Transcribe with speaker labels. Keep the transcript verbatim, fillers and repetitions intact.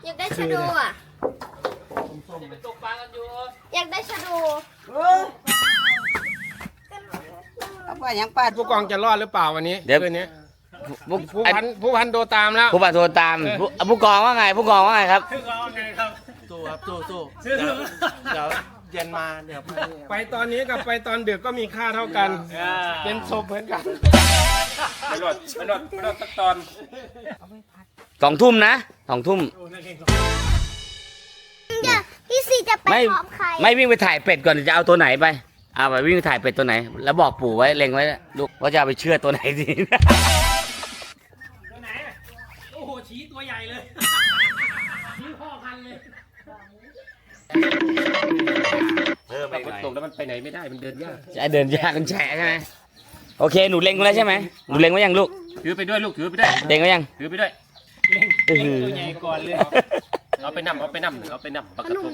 Speaker 1: อยากได้ชะโดอ่ะตกปลากันอยู่อยากได้ชะโด
Speaker 2: เอาไปยังป้า
Speaker 3: ผู้กองจะรอดหรือเปล่าวันนี้
Speaker 4: เดี๋ยว
Speaker 3: คืนนี้
Speaker 4: ผู้
Speaker 3: ผู้พันผู้พันโดตามแล้ว
Speaker 4: ผู้บัตรโทรตามผู้ผู้กองว่าไง ผู้กองว่าไงครับ
Speaker 5: สู้ครับสู้สู้เดี๋ยวเย็นมาเดี๋ยว
Speaker 3: ไปตอนนี้กับไปตอนดึกก็มีค่าเท่ากัน เป็นศพเหมือนกันไปรอดไปรอดไปรอดสักตอน
Speaker 4: สองทุ่มนะสองทุ่ม
Speaker 1: จะพี่ซีจะไป
Speaker 4: ไม่
Speaker 1: พร้อมใคร
Speaker 4: ไม่วิ่งไปถ่ายเป็ดก่อนจะเอาตัวไหนไปเอาไปวิ่งไปถ่ายเป็ดตัวไหน แล้วบอกปู่ไว้เล็งไว้ลูกว่าจะเอาไปเชื่อตัวไหนดี
Speaker 5: ตัวไหนโอ้โหชี้ตัวใหญ่เลยชี้พ่อพันเลย
Speaker 4: เออไป
Speaker 3: ฝนตกแล้วมันไปไหนไม่ได้มันเดินยาก
Speaker 4: จะเดินยากกันแฉะใช่ไหมโอเคหนูเล็งไว้แล้วใช่ไหมหนูเล็งไว้ยังลูก
Speaker 3: ถือไปด้วยลูกถือไปด้วย
Speaker 4: เล็งไว้ยัง
Speaker 3: ถือไปด้วย
Speaker 4: อื้อหือ
Speaker 5: ตัวใหญ่ก่อนเลย
Speaker 3: เอาไปนำเอาไปนำเอาไปนำปลากระพง